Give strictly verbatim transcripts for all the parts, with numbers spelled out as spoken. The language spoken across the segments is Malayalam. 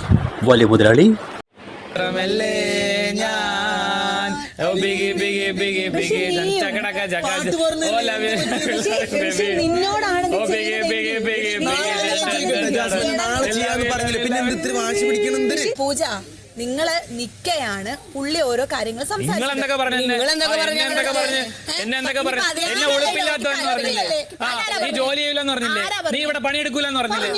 വലിയ മുതലാളി. പൂജ നിങ്ങള് നിക്കയാണ് പുള്ളി ഓരോ കാര്യങ്ങൾ നീ ജോലി ചെയ്യില്ലെന്ന് പറഞ്ഞില്ലേ, നീ ഇവിടെ പണിയെടുക്കൂലെന്ന് പറഞ്ഞില്ലേ,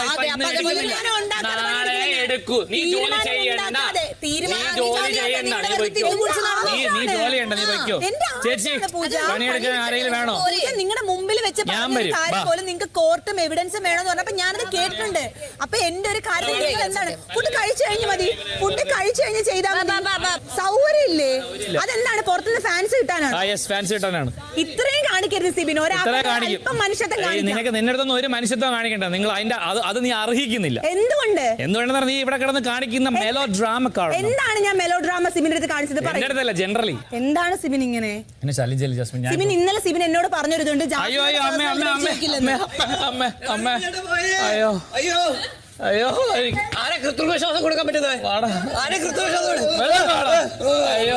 എടുക്കൂ, നീ ജോലി ചെയ്യണ്ട, നീ ജോലി ചെയ്യണ്ട, നീ പൊയ്ക്കോ, നീ നീ ജോലി ചെയ്യണ്ട, നീ പൊയ്ക്കോ. ചേച്ചി പണിയെടുക്കാൻ ആരെങ്കിലും വേണോ? നിങ്ങളുടെ മുമ്പിൽ വെച്ച് ഞാൻ വരും. പോലും നിങ്ങൾക്ക് കോർട്ടും എവിഡൻസും വേണമെന്ന് പറഞ്ഞപ്പോ ഞാനത് കേട്ടിട്ടുണ്ട്. അപ്പൊ എന്റെ ഒരു കാര്യം എന്താണ്, ഫുഡ് കഴിച്ചു കഴിഞ്ഞ് മതി, ഫുഡ് കഴിച്ചു കഴിഞ്ഞ് ചെയ്താൽ സൗകര്യം ഇല്ലേ? അതെന്താണ് പുറത്തുനിന്ന് ഫാൻസ് കിട്ടാനാണ്? ഫാൻസ് കിട്ടാനാണ്. ഇത്രയും കാണിക്കരുത് സിബിൻ, ഒരാൾക്കും മനുഷ്യത്വം നിനക്ക് നിന്റെ അടുത്തൊന്നും ഒരു മനുഷ്യത്വം കാണിക്കണ്ട. നിങ്ങൾ അതിന്റെ അത് നീ അർഹിക്കുന്നില്ല. എന്തുകൊണ്ട് എന്തുകൊണ്ടെന്ന് നീ ഇവിടെ കിടന്ന് കാണിക്കുന്ന മെലോ ഡ്രാമ. എന്താണ് ഞാൻ മെലോ ഡ്രാമ സിബിന്റെ അടുത്ത് കാണിച്ചത്? ജനറലി എന്താണ് സിബിൻ ഇങ്ങനെ? സിബിൻ ഇന്നലെ സിബിൻ എന്നോട് പറഞ്ഞൊരിതുണ്ട്. അയ്യോ അയ്യോ അമ്മ അമ്മ അമ്മ അമ്മ അമ്മ അയ്യോ അയ്യോ അയ്യോ ആരെ കൃത്രിമശ്വാസം കൊടുക്കാൻ പറ്റുന്നത്? ആരെ കൃത്രിമശ്വാസം? അയ്യോ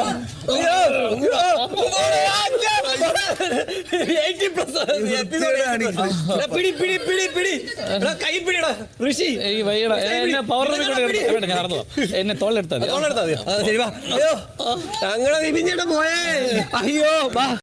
പിടി പിടി പിടി പിടി കൈ പിടിടാ ഋഷി. എന്നെ പവർ ഞാൻ നടന്നു, എന്നെ തോളെടുത്താൽ തോളെടുത്താൽ. അയ്യോ ഞങ്ങളെ പോയേ. അയ്യോ